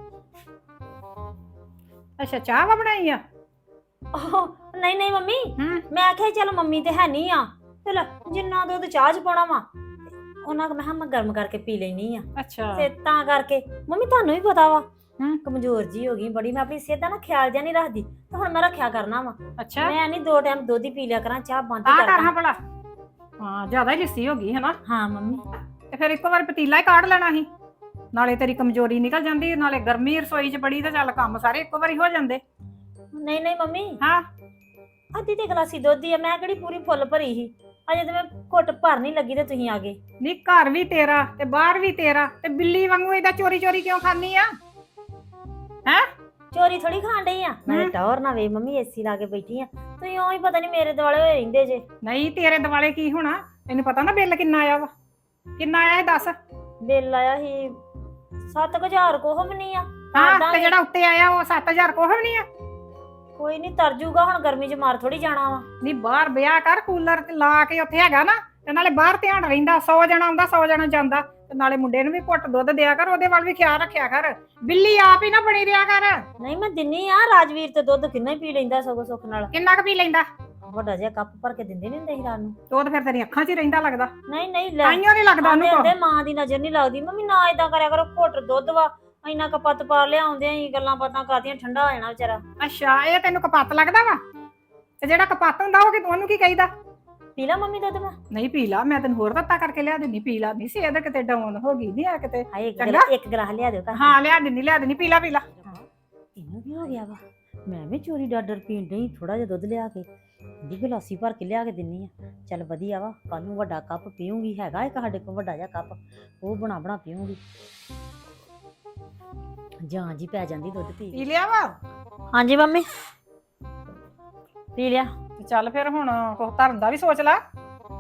C: ਅੱਛਾ ਚਾਹ ਵਾ ਬਣਾਈ ਆ?
D: ਉਹ ਨਹੀਂ ਨਹੀਂ ਮੰਮੀ,
C: ਹੂੰ
D: ਮੈਂ ਆਖਿਆ ਚੱਲ ਮੰਮੀ ਤੇ ਹੈ ਨਹੀਂ ਆ, ਚਲ ਜਿੰਨਾ ਦੁੱਧ ਚਾਹ ਚ ਪਾਉਣਾ ਵਾ ਉਹਨਾਂ ਕੁ ਮੈਂ ਕਿਹਾ ਮੈਂ ਗਰਮ ਕਰਕੇ ਪੀ ਲੈਣੀ ਆ।
C: ਅੱਛਾ
D: ਤੇ ਤਾਂ ਕਰਕੇ ਮੰਮੀ ਤੁਹਾਨੂੰ ਵੀ ਪਤਾ ਵਾ
C: ਹੂੰ
D: ਕਮਜ਼ੋਰ ਜੀ ਹੋ ਗਈ ਬੜੀ। ਮੈਂ ਆਪਣੀ ਸਿਹਤ ਦਾ ਨਾ ਖਿਆਲ ਜਿਹਾ ਨਹੀਂ ਰੱਖਦੀ, ਤੇ ਹੁਣ ਮੈਂ ਰੱਖਿਆ ਕਰਨਾ ਵਾ।
C: ਅੱਛਾ
D: ਮੈਂ ਨਹੀਂ ਦੋ ਟਾਈਮ ਦੁੱਧ ਹੀ ਪੀ ਲਿਆ ਕਰਾਂ, ਚਾਹ ਬੰਦ
C: ਆ
D: ਹੀ
C: ਕਰ ਹਾਂ
D: ਕਰਦਾ।
C: ਭਲਾ। ਹਾਂ ਜ਼ਿਆਦਾ ਹੀ ਲਿੱਸੀ ਹੋ ਗਈ ਹੈ ਨਾ।
D: ਹਾਂ ਮੰਮੀ।
C: ਤੇ ਫਿਰ ਇੱਕੋ ਵਾਰ ਪਤੀਲਾ ਹੀ ਕਾਢ ਲੈਣਾ ਸੀ, ਨਾਲੇ ਤੇਰੀ ਕਮਜ਼ੋਰੀ ਨਿਕਲ ਜਾਂਦੀ, ਨਾਲੇ ਗਰਮੀ ਰਸੋਈ 'ਚ ਬੜੀ, ਤੇ ਚੱਲ ਕੰਮ ਸਾਰੇ ਇੱਕੋ ਵਾਰੀ ਹੋ ਜਾਂਦੇ।
D: ਨਹੀਂ ਨਹੀਂ ਮੰਮੀ,
C: ਹਾਂ
D: ਅੱਧੀ ਤੇ ਗਲਾਸੀ ਦੁੱਧ ਹੀ ਆ, ਮੈਂ ਕਿਹੜੀ ਪੂਰੀ ਫੁੱਲ ਭਰੀ ਸੀ। ਅਜੇ ਤੇ ਮੈਂ ਘੁੱਟ ਭਰ ਨਹੀਂ ਲੱਗੀ ਤੇ ਤੁਸੀਂ ਆ ਗਏ।
C: ਨੀ ਘਰ ਵੀ ਤੇਰਾ ਤੇ ਬਾਹਰ ਵੀ ਤੇਰਾ, ਤੇ ਬਿੱਲੀ ਵਾਂਗੂ ਇਹਦਾ ਚੋਰੀ ਚੋਰੀ ਕਿਉਂ ਖਾਨੀ ਆ? ਹੈ
D: ਚੋਰੀ ਥੋੜੀ ਖਾਣ ਡਈ ਆ ਮੈਂ। ਟੌਰ ਨਾ ਵੇ ਮੰਮੀ, ਏਸੀ ਲਾ ਕੇ ਬੈਠੀ ਆ, ਤੁਸੀਂ ਉਹ ਹੀ ਪਤਾ ਨਹੀਂ ਮੇਰੇ ਦੁਆਲੇ ਹੋਏ ਰਹਿੰਦੇ ਜੇ।
C: ਨਹੀਂ ਤੇਰੇ ਦਿਵਾਲੇ ਕੀ ਹੋਣਾ, ਤੈਨੂੰ ਪਤਾ ਨਾ ਬਿੱਲ ਕਿੰਨਾ ਆਇਆ ਵਾ? ਕਿੰਨਾ ਆਇਆ ਇਹ ਦੱਸ?
D: ਬਿੱਲ ਆਇਆ ਸੀ ਸੱਤ ਕੁ ਹਜ਼ਾਰ ਕੋਹ ਵੀ ਨਹੀਂ ਆ।
C: ਹਾਂ ਤੇ ਜਿਹੜਾ ਉੱਤੇ ਆਇਆ ਉਹ ਸੱਤ ਹਜ਼ਾਰ ਕੋਹ ਵੀ ਨਹੀਂ ਆ?
D: ਕੋਈ ਨਹੀਂ ਤਰ ਜੂਗਾ, ਹੁਣ ਗਰਮੀ ਚ ਮਾਰ ਥੋੜੀ ਜਾਣਾ ਵਾ।
C: ਨਹੀਂ ਬਾਹਰ ਵਿਆਹ ਕਰ, ਕੂਲਰ ਤੇ ਲਾ ਕੇ ਉੱਥੇ ਹੈਗਾ ਨਾ, ਤੇ ਨਾਲੇ ਬਾਹਰ ਧਿਆਨ ਰਹਿੰਦਾ। ਸੌ ਜਣਾ ਆਉਂਦਾ ਸੌ ਜਣਾ ਜਾਂਦਾ, ਤੇ ਨਾਲੇ ਮੁੰਡੇ ਨੂੰ ਵੀ ਘੁੱਟ ਦੁੱਧ ਦਿਆ ਕਰ, ਉਹਦੇ ਵੱਲ ਵੀ ਖਿਆਲ ਰੱਖਿਆ ਕਰ। ਬਿੱਲੀ ਆਪ ਹੀ ਨਾ ਬਣੀ ਰਿਹਾ ਕਰ।
D: ਨਹੀਂ ਮੈਂ ਦਿੰਨੀ ਆ, ਰਾਜਵੀਰ ਤੇ ਦੁੱਧ ਕਿੰਨਾ ਹੀ ਪੀ ਲੈਂਦਾ ਸਗੋਂ ਸੁੱਖ ਨਾਲ।
C: ਕਿੰਨਾ ਕੁ ਪੀ ਲੈਂਦਾ?
D: ਵੱਡਾ ਜਿਹਾ ਕੱਪ ਭਰ ਕੇ ਦਿੰਦੇ ਨਹੀਂ ਹੁੰਦੇ ਸੀ ਰਾਤ ਨੂੰ।
C: ਤੇ ਉਹ ਤਾਂ ਫਿਰ ਤੇਰੀ ਅੱਖਾਂ 'ਚ ਹੀ ਰਹਿੰਦਾ ਲੱਗਦਾ।
D: ਨਹੀਂ ਨਹੀਂ ਲੈ
C: ਤਾਈਓ ਨਹੀਂ ਲੱਗਦਾ ਉਹਨੂੰ
D: ਆਂਦੇ
C: ਕੁਛ।
D: ਮਾਂ ਦੀ ਨਜ਼ਰ ਨਹੀਂ ਲੱਗਦੀ। ਮੰਮੀ ਨਾ ਇਦਾਂ ਕਰਿਆ ਕਰੋ, ਘੁੱਟ ਦੁੱਧ ਵਾ, ਇੰਨਾ ਕਪੱਤ ਪਾ ਲਿਆਉਂਦੇ ਆਂ ਗੱਲਾਂ ਬਾਤਾਂ ਕਰਦੀਆਂ, ਠੰਡਾ ਹੋ ਜਾਣਾ ਵਿਚਾਰਾ।
C: ਅੱਛਾ ਇਹ ਤੈਨੂੰ ਕਪੱਤ ਲੱਗਦਾ ਵਾ? ਤੇ ਜਿਹੜਾ ਕਪੱਤ ਹੁੰਦਾ ਉਹ ਕਿ ਉਹਨੂੰ ਕੀ ਕਹੀਦਾ?
D: ਪੀ ਲਾ ਮੰਮੀ ਦੁੱਧ। ਮੈਂ
C: ਨਹੀਂ ਪੀ ਲਾ, ਮੈਂ ਤੈਨੂੰ ਹੋਰ ਦਿੱਤਾ ਕਰਕੇ ਲਿਆ ਦਿੰਨੀ। ਪੀ ਲਾ, ਨਹੀਂ ਸੀ ਇਹਦਾ ਕਿਤੇ ਡਾਊਨ ਹੋ ਗਈ ਨਹੀਂ ਆ ਕਿਤੇ।
D: ਹਾਏ ਇੱਕ
C: ਚੰਗਾ।
D: ਗਲਾ- ਇੱਕ ਗਲਾਸ ਲਿਆ ਦਿਓ ਘਰ।
C: ਹਾਂ ਲਿਆ ਦਿੰਨੀ ਲਿਆ ਦਿੰਨੀ, ਪੀ ਲਾ ਪੀ ਲਾ।
D: ਇਹਨੂੰ ਕੀ ਹੋ ਗਿਆ ਵਾ? ਮੈਂ ਵੀ ਚੋਰੀ ਡਾਡਰ ਪੀਣ ਡਈ, ਥੋੜਾ ਜਿਹਾ ਦੁੱਧ ਲਿਆ ਕੇ ਦੀ ਗਲਾਸੀ ਭਰ ਕੇ ਲਿਆ ਕੇ ਦਿੰਨੀ ਆ। ਚੱਲ ਵਧੀਆ ਵਾ, ਕੱਲ ਨੂੰ ਵੱਡਾ ਕੱਪ ਪੀਉਂਗੀ। ਹੈਗਾ ਇੱਕ ਸਾਡੇ ਕੋਲ ਵੱਡਾ ਜਿਹਾ ਕੱਪ, ਉਹ ਬਣਾ ਬਣਾ ਪੀਉਂਗੀ। ਜਾਂ ਜੀ ਪੈ ਜਾਂਦੀ ਦੁੱਧ ਪੀ
C: ਪੀ
D: ਕੇ।
C: ਲਿਆ ਵਾ?
D: ਹਾਂਜੀ ਮੰਮੀ ਪੀ ਲਿਆ।
C: ਤੇ ਚੱਲ ਫਿਰ ਹੁਣ ਕੁਛ ਧਰਨ ਦਾ ਵੀ ਸੋਚ ਲਾ।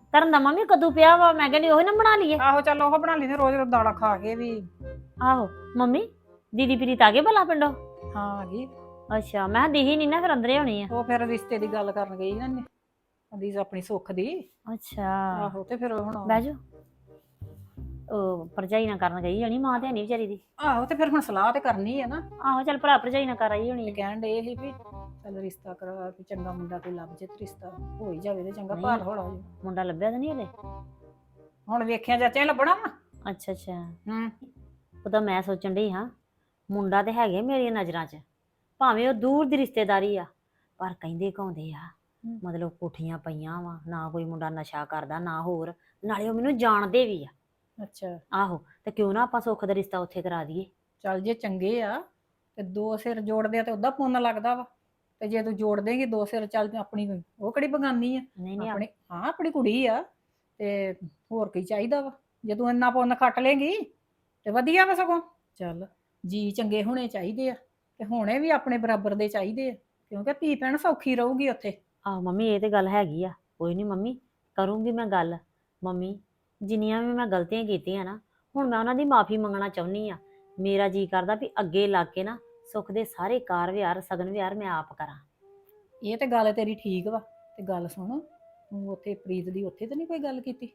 D: ਧਰਨ ਦਾ ਮੰਮੀ ਕਦੋਂ ਪਿਆ ਵਾ ਮੈਂ ਕਹਿੰਦੀ ਉਹੀ ਨਾ ਬਣਾ ਲਈਏ।
C: ਆਹੋ ਚੱਲ ਉਹ ਬਣਾ ਲਈ ਤੇ ਰੋਜ਼ ਰੋਜ਼ ਦਾਲਾਂ ਖਾ ਕੇ ਵੀ।
D: ਆਹੋ ਮੰਮੀ ਦੀਦੀ ਪ੍ਰੀਤ ਆ ਗਏ ਭਲਾ ਪਿੰਡੋਂ?
C: ਹਾਂ ਆ ਗਈ।
D: ਅੱਛਾ ਮੈਂ ਦਿਹੀ ਨਹੀਂ ਨਾ ਫਿਰ ਅੰਦਰੇ ਹੋਣੀ ਆ।
C: ਉਹ ਫਿਰ ਰਿਸ਼ਤੇ ਦੀ ਗੱਲ ਕਰਨ ਗਈ ਨਾ ਉਹਦੀ ਆਪਣੀ ਸੁੱਖ ਦੀ।
D: ਅੱਛਾ
C: ਆਹੋ ਤੇ ਫਿਰ ਹੁਣ
D: ਬਹਿ ਜਾ। ਉਹ ਭਰਜਾਈ ਨਾ ਕਰਨ ਗਈ ਹੋਣੀ, ਮਾਂ ਤੇ ਨਹੀਂ ਵਿਚਾਰੀ ਦੀ।
C: ਆਹੋ ਤੇ ਫਿਰ ਹੁਣ ਸਲਾਹ ਤੇ ਕਰਨੀ ਹੈ ਨਾ।
D: ਆਹੋ ਚੱਲ ਭਰਾ ਭਰਜਾਈ ਨਾ ਕਰ ਆਈ ਹੋਣੀ।
C: ਕਹਿਣ ਡੇ ਸੀ ਵੀ ਚੱਲ ਰਿਸ਼ਤਾ ਕਰਾ ਵੀ ਚੰਗਾ ਮੁੰਡਾ ਕੋਈ ਲੱਭ ਜੇ ਤੇ ਰਿਸ਼ਤਾ ਹੋ ਹੀ ਜਾਵੇ ਤੇ ਚੰਗਾ।
D: ਨਹੀਂ।
C: ਭਾਰ ਹੋਣਾ ਜੀ
D: ਮੁੰਡਾ ਲੱਭਿਆ ਤਾਂ ਨਹੀਂ ਹਲੇ?
C: ਹੁਣ ਵੇਖਿਆ ਚਾਚੇ ਲੱਭਣਾ ਵਾ।
D: ਅੱਛਾ ਅੱਛਾ
C: ਹੂੰ
D: ਉਹ ਤਾਂ ਮੈਂ ਸੋਚਣ ਡਈ ਹਾਂ ਮੁੰਡਾ ਤੇ ਹੈਗੇ ਮੇਰੀਆਂ ਨਜ਼ਰਾਂ 'ਚ, ਭਾਵੇਂ ਉਹ ਦੂਰ ਦੀ ਰਿਸ਼ਤੇਦਾਰੀ ਆ, ਪਰ ਕਹਿੰਦੇ ਕਹਾਉਂਦੇ ਆ ਮਤਲਬ ਕੋਠੀਆਂ ਪਈਆਂ ਵਾ, ਨਾ ਕੋਈ ਮੁੰਡਾ ਨਸ਼ਾ ਕਰਦਾ ਨਾ ਹੋਰ, ਨਾਲੇ ਉਹ ਮੈਨੂੰ ਜਾਣਦੇ ਵੀ ਆ।
C: ਅੱਛਾ
D: ਆਹੋ ਤੇ ਕਿਉਂ ਨਾ ਆਪਾਂ ਸੁੱਖ ਦਾ ਰਿਸ਼ਤਾ ਉੱਥੇ ਕਰਾ ਦਈਏ।
C: ਚੱਲ ਜੇ ਚੰਗੇ ਆ ਤੇ ਦੋ ਸਿਰ ਜੋੜਦੇ ਆ ਤੇ ਉਹਦਾ ਪੁੰਨ ਲੱਗਦਾ ਵਾ। ਤੇ ਜੇ ਤੂੰ ਜੋੜ ਦੇਂਗੀ ਦੋ ਸਿਰ, ਚੱਲ ਆਪਣੀ ਉਹ ਕਿਹੜੀ ਬਗਾਨੀ ਆ
D: ਨਹੀਂ ਨਹੀਂ
C: ਆਪਣੀ। ਹਾਂ ਆਪਣੀ ਕੁੜੀ ਆ ਤੇ ਹੋਰ ਕੀ ਚਾਹੀਦਾ ਵਾ। ਜੇ ਤੂੰ ਇੰਨਾ ਪੁੰਨ ਖੱਟ ਲੇਗੀ ਤੇ ਵਧੀਆ ਵਾ ਸਗੋਂ। ਚੱਲ ਜੀ ਚੰਗੇ ਹੋਣੇ ਚਾਹੀਦੇ ਆ ਤੇ ਹੋਣੇ ਵੀ ਆਪਣੇ ਬਰਾਬਰ ਦੇ ਚਾਹੀਦੇ ਆ, ਕਿਉਂਕਿ ਧੀ ਭੈਣ ਸੌਖੀ ਰਹੂਗੀ ਉੱਥੇ।
D: ਆਹੋ ਮੰਮੀ ਇਹ ਤੇ ਗੱਲ ਹੈਗੀ ਆ, ਕੋਈ ਨਹੀਂ ਮੰਮੀ ਕਰੂੰਗੀ ਮੈਂ ਗੱਲ। ਮੰਮੀ ਜਿੰਨੀਆਂ ਵੀ ਮੈਂ ਗਲਤੀਆਂ ਕੀਤੀਆਂ ਨਾ, ਹੁਣ ਮੈਂ ਉਹਨਾਂ ਦੀ ਮਾਫੀ ਮੰਗਣਾ ਚਾਹੁੰਦੀ ਆ। ਮੇਰਾ ਜੀ ਕਰਦਾ ਵੀ ਅੱਗੇ ਲੱਗ ਕੇ ਨਾ ਸੁੱਖ ਦੇ ਸਾਰੇ ਕਾਰ ਵਿਹਾਰ ਸਗਨ ਵਿਹਾਰ ਮੈਂ ਆਪ ਕਰਾਂ।
C: ਇਹ ਤੇ ਗੱਲ ਤੇਰੀ ਠੀਕ ਵਾ। ਤੇ ਗੱਲ ਸੁਣ, ਤੂੰ ਉੱਥੇ ਪ੍ਰੀਤ ਦੀ ਉੱਥੇ ਤੇ ਨਹੀਂ ਕੋਈ ਗੱਲ ਕੀਤੀ?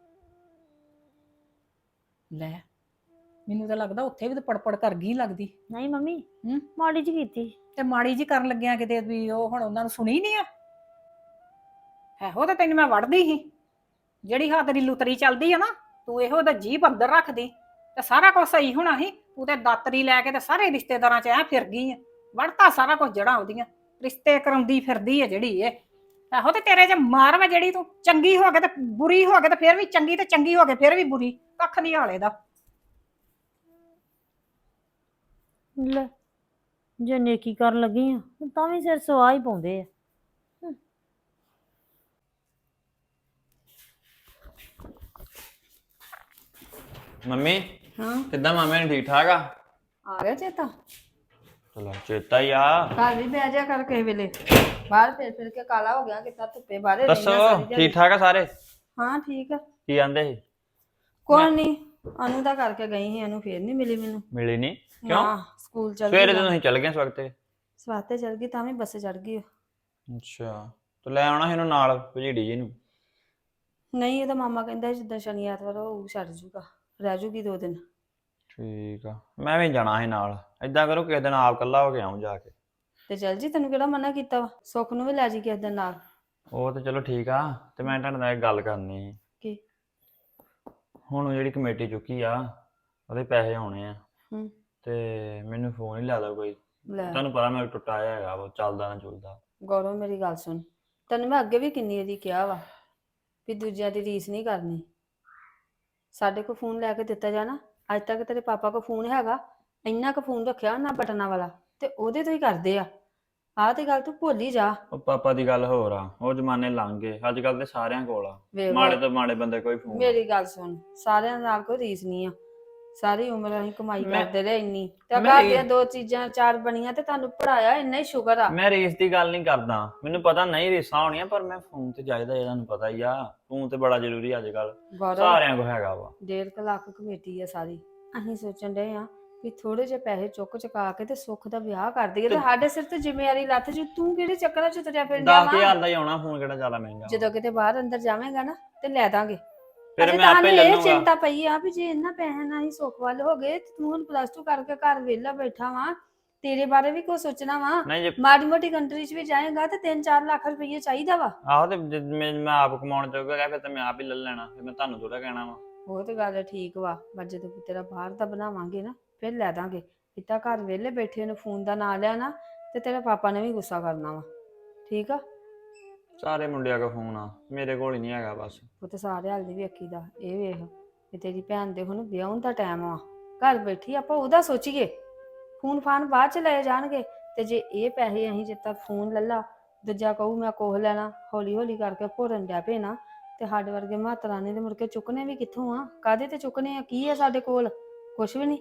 C: ਲੈ ਮੈਨੂੰ ਤਾਂ ਲੱਗਦਾ ਉੱਥੇ ਵੀ ਤਾਂ ਪੜਪੜ ਕਰ ਗਈ ਲੱਗਦੀ।
D: ਨਹੀਂ ਮੰਮੀ
C: ਹੂੰ
D: ਮਾੜੀ ਜੀ ਕੀਤੀ।
C: ਤੇ ਮਾੜੀ ਜੀ ਕਰਨ ਲੱਗਿਆ ਕਿਤੇ ਵੀ ਉਹ ਹੁਣ ਉਹਨਾਂ ਨੂੰ ਸੁਣੀ ਨਹੀਂ ਆ। ਇਹੋ ਤਾਂ ਤੈਨੂੰ ਮੈਂ ਵੜਦੀ ਸੀ, ਜਿਹੜੀ ਹਾਂ ਤੇਰੀ ਲੁਤਰੀ ਚੱਲਦੀ ਆ ਨਾ, ਤੂੰ ਇਹੋ ਦਾ ਜੀਭ ਅੰਦਰ ਰੱਖਦੀ ਤੇ ਸਾਰਾ ਕੁਝ ਸਹੀ ਹੋਣਾ ਸੀ। ਤੂੰ ਤੇ ਦਾਤਰੀ ਲੈ ਕੇ ਤੇ ਸਾਰੇ ਰਿਸ਼ਤੇਦਾਰਾਂ 'ਚ ਐ ਫਿਰ ਗਈ ਆ, ਵੜਤਾ ਸਾਰਾ ਕੁਝ ਜੜਾਂ ਉਹਦੀਆਂ, ਰਿਸ਼ਤੇ ਕਰਾਉਂਦੀ ਫਿਰਦੀ ਆ ਜਿਹੜੀ ਇਹ। ਇਹੋ ਤੇ ਤੇਰੇ 'ਚ ਮਾਰ ਵਾ, ਜਿਹੜੀ ਤੂੰ ਚੰਗੀ ਹੋ ਕੇ ਤੇ ਬੁਰੀ ਹੋ ਕੇ ਤੇ ਫਿਰ ਵੀ ਚੰਗੀ, ਤੇ ਚੰਗੀ ਹੋ ਕੇ ਫਿਰ ਵੀ ਬੁਰੀ, ਕੱਖ ਨਹੀਂ ਹਾਲੇ ਦਾ।
D: ਲੈ ਜੇ ਨੇਕੀ ਕਰਨ ਲੱਗੀ ਆ ਤਾਂ ਵੀ ਸਿਰ ਸਵਾਹ ਹੀ ਪਾਉਂਦੇ ਆ।
E: ਮੰਮੀ
B: ਹਾਂ
E: ਕਿੱਦਾਂ ਮਾਮੇ ਨੇ ਠੀਕ ਠਾਕ ਆ?
B: ਆ ਗਿਆ ਚੇਤਾ?
E: ਚਲੋ ਚੇਤਾ ਹੀ ਆ।
B: ਘਰ ਵੀ ਬਹਿ ਜਾ ਕਰ ਕਿਸੇ ਵੇਲੇ, ਬਾਹਰ ਫਿਰ ਫਿਰ ਕੇ ਕਾਲਾ ਹੋ ਗਿਆ ਕਿਤਾ ਧੁੱਪੇ ਬਾਹਰੇ
E: ਦੱਸੋ
B: ਰਹਿਣਾ ਸਾਰੀ ਦਿਹਾੜੀ।
E: ਠੀਕ ਠਾਕ ਆ ਸਾਰੇ?
B: ਹਾਂ ਠੀਕ ਆ।
E: ਕੀ ਆਂਦੇ ਸੀ?
B: ਕੋਈ ਨਹੀਂ, ਅਨੂ ਦਾ ਕਰਕੇ ਗਈ ਸੀ, ਅਨੂ ਫੇਰ ਨਹੀਂ ਮਿਲੀ ਮੈਨੂੰ।
E: ਮਿਲੀ ਨਹੀਂ ਕਿਉਂ?
B: ਹਾਂ ਸਕੂਲ ਚੱਲ
E: ਸਵੇਰੇ
B: ਗਈ,
E: ਤਾਂ ਤੁਸੀਂ ਚੱਲ ਗਏ ਇਸ ਵਕਤ।
B: ਸਵਾਤੇ ਚੱਲ ਗਈ ਤਾਂ ਵੀ ਬੱਸੇ ਚੜ ਗਈ।
E: ਅੱਛਾ ਤੇ ਲੈ ਆਉਣਾ ਸੀ ਇਹਨੂੰ ਨਾਲ ਭਜੀੜੀ ਜੀ ਨੂੰ।
B: ਨਹੀਂ ਇਹਦਾ ਮਾਮਾ ਕਹਿੰਦਾ ਜਿੱਦਾਂ ਸ਼ਨੀ ਐਤਵਾਰ ਉਹ ਛੱਡ ਜੂਗਾ, ਰਹਿ ਜੂਗੀ ਦੋ ਦਿਨ।
E: ਠੀਕ ਆ ਮੈਂ ਵੀ ਜਾਣਾ ਸੀ ਨਾਲ। ਏਦਾਂ ਕਰੋ ਕਿਸੇ ਦਿਨ ਆਪ ਕੱਲਾ ਹੋ ਕੇ ਆਉਂ ਜਾ ਕੇ।
B: ਤੇ ਚੱਲ ਜੀ, ਤੈਨੂੰ ਕਿਹੜਾ ਮਨਾ ਕੀਤਾ ਵਾ, ਸੁੱਖ ਨੂੰ ਵੀ ਲੈ ਜੀ ਕਿਸੇ ਦਿਨ ਨਾਲ।
E: ਉਹ ਤੇ ਚਲੋ ਠੀਕ ਆ। ਤੇ ਮੈਂ ਤੁਹਾਡੇ ਨਾਲ ਇੱਕ ਗੱਲ ਕਰਨੀ ਸੀ।
B: ਕੀ?
E: ਹੁਣ ਉਹ ਜਿਹੜੀ ਕਮੇਟੀ ਚੁੱਕੀ ਆ ਉਹਦੇ ਪੈਸੇ ਆਉਣੇ ਆ,
B: ਹੂੰ
E: ਤੇ ਮੈਨੂੰ ਫੋਨ ਹੀ ਲਾ ਦੋ ਕੋਈ।
B: ਲੈ
E: ਤੁਹਾਨੂੰ ਪਤਾ ਮੈਂ ਟੁੱਟਾ ਆਇਆ ਹੈਗਾ, ਉਹ ਚੱਲਦਾ ਨਾ ਚੁੱਲਦਾ।
B: ਗੌਰਵ ਮੇਰੀ ਗੱਲ ਸੁਣ, ਤੈਨੂੰ ਮੈਂ ਅੱਗੇ ਵੀ ਕਿੰਨੀ ਇਹਦੀ ਕਿਹਾ ਵਾ ਵੀ ਦੂਜਿਆਂ ਦੀ ਰੀਸ ਨਹੀਂ ਕਰਨੀ। ਸਾਡੇ ਕੋਲ ਫੋਨ ਲੈ ਕੇ ਦਿੱਤਾ ਜਾਣਾ, ਅੱਜ ਤੱਕ ਤੇਰੇ ਪਾਪਾ ਕੋਲ ਫੋਨ ਹੈਗਾ? ਇੰਨਾ ਕੁ ਫੋਨ ਰੱਖਿਆ ਨਾ ਬਟਨਾਂ ਵਾਲਾ, ਤੇ ਉਹਦੇ ਤੋਂ ਹੀ ਕਰਦੇ ਆ। ਆਹ ਤੇ ਗੱਲ ਤੂੰ ਭੁੱਲ ਹੀ ਜਾ।
E: ਉਹ ਪਾਪਾ ਦੀ ਗੱਲ ਹੋਰ ਆ, ਉਹ ਜ਼ਮਾਨੇ ਲੰਘ ਗਏ। ਅੱਜ ਕੱਲ ਤੇ ਸਾਰਿਆਂ ਕੋਲ ਆ,
B: ਵੇਖ ਲਾ।
E: ਮਾੜੇ ਤੋਂ ਮਾੜੇ ਬੰਦੇ ਕੋਈ ਫੋਨ।
B: ਮੇਰੀ ਗੱਲ ਸੁਣ, ਸਾਰਿਆਂ ਨਾਲ ਕੋਈ ਰੀਸ ਨਹੀਂ ਆ। ਸਾਰੀ ਉਮਰ ਅਸੀਂ ਕਮਾਈ
E: ਮੈਂ-
B: ਕਰਦੇ ਰਹੇ ਇੰਨੀ, ਤੇ
E: ਮੈਂ
B: ਘਰ
E: ਰੀ-
B: ਦੀਆਂ ਦੋ ਚੀਜ਼ਾਂ ਚਾਰ ਬਣੀਆਂ ਤੇ ਤੁਹਾਨੂੰ ਪੜਾਇਆ, ਇੰਨਾ ਹੀ ਸ਼ੁਕਰ ਆ।
E: ਮੈਂ ਰੇਸ ਦੀ ਗੱਲ ਨਹੀਂ ਕਰਦਾ, ਮੈਨੂੰ ਪਤਾ ਨਹੀਂ ਰੇਸਾਂ ਹੋਣੀਆਂ, ਪਰ ਮੈਂ ਫੋਨ ਤੇ ਚਾਹੀਦਾ, ਇਹਨਾਂ ਨੂੰ ਪਤਾ ਹੀ ਆ। ਫੋਨ ਤੇ ਬੜਾ ਜ਼ਰੂਰੀ ਅੱਜ ਕੱਲ
B: ਗੌਰਵ
E: ਸਾਰਿਆਂ ਕੋਲ ਹੈਗਾ ਵਾ।
B: ਡੇਢ ਕੁ ਲੱਖ ਕਮੇਟੀ ਆ ਸਾਰੀ। ਅਸੀਂ ਸੋਚਣ ਡਏ ਆ ਵੀ ਥੋੜੇ ਜਿਹੇ ਪੈਸੇ ਚੁੱਕ ਚੁਕਾ ਕੇ ਤੇ ਸੁੱਖ ਦਾ ਵਿਆਹ ਕਰ ਦਈਏ, ਤੇ ਸਾਡੇ ਸਿਰ ਤੇ ਜ਼ਿੰਮੇਵਾਰੀ ਲੱਥ ਜੂ। ਤੂੰ ਕਿਹੜੇ ਚੱਕਰਾਂ ਚ ਤੁਰਿਆ ਫਿਰਦਾ
E: ਦਸ
B: ਵਾ?
E: ਹਜ਼ਾਰ ਦਾ ਹੀ ਆਉਣਾ ਫੋਨ, ਕਿਹੜਾ ਜ਼ਿਆਦਾ ਮਹਿੰਗਾ।
B: ਜਦੋਂ ਕਿਤੇ ਬਾਹਰ ਅੰਦਰ ਜਾਵੇਂਗਾ ਨਾ ਤੇ ਲੈ ਦਾਂਗੇ।
E: ਫਿਰ
B: ਅਜੇ
E: ਮੈਂ ਆਪੇ
B: ਤੁਹਾਨੂੰ
E: ਲੈ
B: ਇਹ
E: ਲੂੰਗਾ।
B: ਚਿੰਤਾ ਪਈ ਆ ਵੀ ਜੇ ਇਹਨਾਂ ਪੈਸਿਆਂ ਨਾਲ ਹੀ ਸੁੱਖ ਵੱਲ ਹੋ ਗਏ ਤੇ ਤੂੰ ਹੁਣ ਪਲੱਸ ਟੂ ਕਰਕੇ ਘਰ ਵਿਹਲਾ ਬੈਠਾ ਵਾ, ਤੇਰੇ ਬਾਰੇ ਵੀ ਕੁਝ ਸੋਚਣਾ ਵਾ।
E: ਨਹੀਂ ਜੇ
B: ਮਾੜੀ ਮੋਟੀ ਕੰਟਰੀ ਚ ਵੀ ਜਾਏਗਾ ਤੇ ਤਿੰਨ ਚਾਰ ਲੱਖ ਰੁਪਈਆ ਚਾਹੀਦਾ ਵਾ।
E: ਆਹੋ ਤੇ ਜੇ ਮੈਂ ਮੈਂ ਆਪ ਕਮਾਉਣ ਜੋਗਾ ਗਿਆ, ਫਿਰ ਤਾਂ ਮੈਂ ਆਪ ਹੀ ਲੈ ਲੈਣਾ। ਫਿਰ ਮੈਂ ਤੁਹਾਨੂੰ ਥੋੜਾ ਕਹਿਣਾ ਵਾ।
B: ਉਹ ਤੇ ਗੱਲ ਠੀਕ ਵਾ, ਪਰ ਜਦੋਂ ਤੇਰਾ ਬਾਹਰ ਦਾ ਬਣਾਵਾਂਗੇ ਨਾ ਫਿਰ ਲੈ ਦਾਂਗੇ। ਇੱਦਾਂ ਘਰ ਵਿਹਲੇ ਬੈਠੇ ਨੂੰ ਫੋਨ ਦਾ ਨਾਂ ਲਿਆ ਨਾ ਤੇ ਤੇਰੇ ਪਾਪਾ ਨੇ ਵੀ ਗੁੱਸਾ ਕਰਨਾ ਵਾ। ਠੀਕ ਆ?
E: ਸਾਰੇ ਮੁੰਡਿਆਂ ਕੋਲ ਫੋਨ ਆ, ਮੇਰੇ ਕੋਲ ਹੀ ਨਹੀਂ ਹੈਗਾ ਬਸ।
B: ਉਹ ਤੇ ਸਾਰੇ ਹਾਲ ਦੀ ਵੇਖੀ ਦਾ। ਇਹ ਵੇਖ ਵੀ ਤੇਰੀ ਭੈਣ ਦੇ ਹੁਣ ਵਿਆਹੁਣ ਦਾ ਟਾਈਮ ਆ, ਘਰ ਬੈਠੀ ਆਪਾਂ ਉਹਦਾ ਸੋਚੀਏ। ਫੋਨ ਫਾਨ ਬਾਅਦ ਚ ਲਏ ਜਾਣਗੇ, ਤੇ ਜੇ ਇਹ ਪੈਸੇ ਅਸੀਂ ਜਿੱਦਾਂ ਫੋਨ ਲੱਲਾ, ਦੂਜਾ ਕਹੂ ਮੈਂ ਕੋਹ ਲੈਣਾ, ਹੌਲੀ ਹੌਲੀ ਕਰਕੇ ਭੋਰਨ ਡਿਆ ਪਏ ਨਾ, ਤੇ ਸਾਡੇ ਵਰਗੇ ਮਾਤਰਾ ਨੇ ਤੇ ਮੁੜ ਕੇ ਚੁੱਕਣੇ ਵੀ ਕਿੱਥੋਂ ਆ? ਕਾਹਦੇ ਤੇ ਚੁੱਕਣੇ ਆ? ਕੀ ਆ ਸਾਡੇ ਕੋਲ? ਕੁਛ ਵੀ ਨਹੀਂ।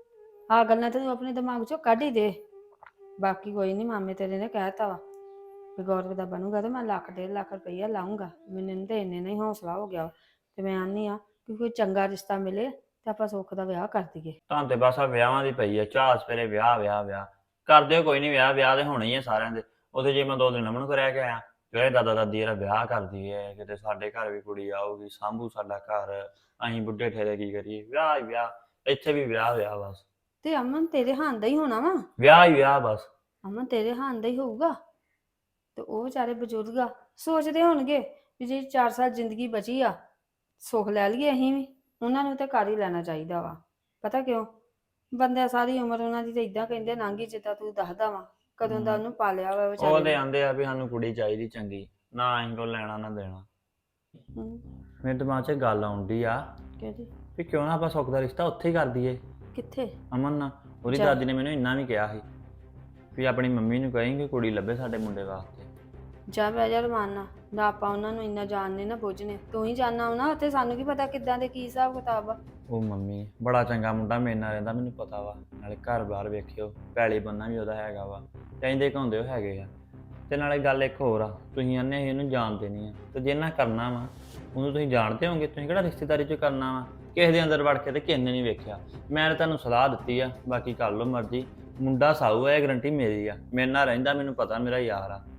B: ਆਹ ਗੱਲਾਂ ਤੇ ਤੂੰ ਆਪਣੇ ਦਿਮਾਗ ਚੋਂ ਕੱਢ ਹੀ ਦੇ। ਬਾਕੀ ਕੋਈ ਨਹੀਂ, ਮਾਮੇ ਤੇਰੇ ਨੇ ਕਹਿਤਾ ਵਾ ਵੀ ਗੌਰਵ ਦਾ ਬਣੂਗਾ ਤੇ ਮੈਂ ਲੱਖ ਡੇਢ ਲੱਖ ਰੁਪਈਆ ਲਾਉਂਗਾ। ਮੈਨੂੰ ਤੇ ਇੰਨੇ ਨਹੀਂ ਹੌਸਲਾ ਹੋ ਗਿਆ ਵਾ। ਤੇ ਮੈਂ ਆਨੀ ਆ ਕਿ ਕੋਈ ਚੰਗਾ ਰਿਸ਼ਤਾ ਮਿਲੇ ਤੇ ਆਪਾਂ ਸੁੱਖ ਦਾ ਵਿਆਹ ਕਰ ਦਈਏ।
E: ਤਾਂ ਤੇ ਬਸ ਆ ਵਿਆਹਾਂ ਦੀ ਪਈ ਆ ਚਾਹ ਸਵੇਰੇ ਵਿਆਹ ਵਿਆਹ ਵਿਆਹ ਕਰ ਦਿਓ ਕੋਈ ਨਹੀਂ ਵਿਆਹ ਵਿਆਹ ਤੇ ਹੋਣੇ ਹੀ ਆ ਸਾਰਿਆਂ ਦੇ। ਉਹਦੇ ਜੇ ਮੈਂ ਦੋ ਦਿਨ ਅਮਨ ਕੋ ਰਹਿ ਕੇ ਆਇਆ ਜਿਹੜੇ ਦਾਦਾ ਦਾਦੀ ਇਹਦਾ ਵਿਆਹ ਕਰ ਦਈਏ ਕਿਤੇ ਸਾਡੇ ਘਰ ਵੀ ਕੁੜੀ ਆਊਗੀ ਸਾਂਭੂ ਸਾਡਾ ਘਰ ਅਸੀਂ ਬੁੱਢੇ ਠੇਰੇ ਕੀ ਕਰੀਏ ਵਿਆਹ ਹੀ ਵਿਆਹ ਇੱਥੇ ਵੀ ਵਿਆਹ ਵਿਆਹ ਬਸ।
B: ਤੇ ਅਮਨ ਤੇਰੇ ਹਾਨ ਦਾ ਹੀ ਹੋਣਾ ਵਾ।
E: ਵਿਆਹ ਹੀ ਵਿਆਹ ਬਸ।
B: ਅਮਨ ਤੇਰੇ ਹਾਨ ਦਾ ਹੀ ਹੋਊਗਾ ਤੇ ਉਹ ਵਿਚਾਰੇ ਬਜ਼ੁਰਗ ਆ ਸੋਚਦੇ ਹੋਣਗੇ ਵੀ ਜੇ ਚਾਰ ਸਾਲ ਜ਼ਿੰਦਗੀ ਬਚੀ ਆ ਸੁੱਖ ਲੈ ਲਈਏ ਅਸੀਂ ਵੀ। ਉਹਨਾਂ ਨੂੰ ਤੇ ਕਰ ਹੀ ਲੈਣਾ ਚਾਹੀਦਾ ਵਾ। ਪਤਾ ਕਿਉਂ ਬੰਦੇ ਸਾਰੀ ਉਮਰ ਉਹਨਾਂ ਦੀ ਤੇ ਇਦਾਂ ਕਹਿੰਦੇ ਲੰਘੀ ਜਿੱਦਾਂ ਤੂੰ ਦੱਸਦਾ ਵਾ ਕਦੋਂ ਦਾ ਉਹਨੂੰ ਪਾਲਿਆ ਵਾ ਵਿਚਾਰੇ
E: ਉਹਦੇ
B: ਨੇ।
E: ਆਂਦੇ ਆ ਵੀ ਸਾਨੂੰ ਕੁੜੀ ਚਾਹੀਦੀ ਚੰਗੀ ਨਾ ਅਸੀਂ ਕੋ ਲੈਣਾ ਨਾ ਦੇਣਾ।
B: ਹਮ,
E: ਮੇਰੇ ਦਿਮਾਗ 'ਚ ਗੱਲ ਆਉਂਦੀ ਆ
B: ਕਿਹਦੀ
E: ਵੀ ਕਿਉਂ ਨਾ ਆਪਾਂ ਸੁੱਖ ਦਾ ਰਿਸ਼ਤਾ ਉੱਥੇ ਹੀ ਕਰ ਦਈਏ
B: ਕਿੱਥੇ?
E: ਅਮਨ ਨਾਲ। ਉਹਦੀ
B: ਚੱਲ।
E: ਦਾਦੀ ਨੇ ਮੈਨੂੰ ਇੰਨਾ ਵੀ ਕਿਹਾ ਸੀ ਵੀ ਆਪਣੀ ਮੰਮੀ ਨੂੰ ਕਹੇਂਗੇ ਕੁੜੀ ਲੱਭੇ ਸਾਡੇ ਮੁੰਡੇ ਵਾਸਤੇ।
B: ਜਾ ਬਹਿ ਜਾ ਰਮਾਨਾ ਨਾ ਆਪਾਂ ਉਹਨਾਂ ਨੂੰ ਇੰਨਾ ਜਾਣਨੇ ਨਾ ਬੁੱਝਨੇ ਤੂੰ ਹੀ ਜਾਣਨਾ ਹੋਣਾ ਉੱਥੇ ਸਾਨੂੰ ਕੀ ਪਤਾ ਕਿੱਦਾਂ ਦੇ ਕੀ ਹਿਸਾਬ ਕਿਤਾਬ ਆ।
E: ਉਹ ਮੰਮੀ ਬੜਾ ਚੰਗਾ ਮੁੰਡਾ ਮੇਰੇ ਨਾਲ ਰਹਿੰਦਾ ਮੈਨੂੰ ਪਤਾ ਵਾ ਨਾਲੇ ਘਰ ਬਾਹਰ ਵੇਖਿਓ ਪੈਲੀ ਬੰਨਾ ਵੀ ਉਹਦਾ ਹੈਗਾ ਵਾ ਕਹਿੰਦੇ ਘਾਉਂਦੇ ਉਹ ਹੈਗੇ ਆ। ਤੇ ਨਾਲੇ ਗੱਲ ਇੱਕ ਹੋਰ ਆ ਤੁਸੀਂ ਆਨੇ ਅਸੀਂ ਇਹਨੂੰ ਜਾਣਦੇ ਨਹੀਂ ਆ ਤੇ ਜੇ ਨਾ ਕਰਨਾ ਵਾ ਉਹਨੂੰ ਤੁਸੀਂ ਜਾਣਦੇ ਹੋਗੇ ਤੁਸੀਂ ਕਿਹੜਾ ਰਿਸ਼ਤੇਦਾਰੀ 'ਚ ਕਰਨਾ ਵਾ ਕਿਸੇ ਦੇ ਅੰਦਰ ਵੜ ਕੇ ਤੇ ਕਿਸੇ ਨੇ ਨਹੀਂ ਵੇਖਿਆ। ਮੈਂ ਤਾਂ ਤੁਹਾਨੂੰ ਸਲਾਹ ਦਿੱਤੀ ਆ ਬਾਕੀ ਕਰ ਲਓ ਮਰਜ਼ੀ। ਮੁੰਡਾ ਸਾਊ ਆ ਇਹ ਗਰੰਟੀ ਮੇਰੀ ਆ ਮੇਰੇ ਨਾਲ ਰਹਿੰਦਾ ਮੈਨੂੰ ਪਤਾ ਮੇਰਾ ਯਾਰ ਆ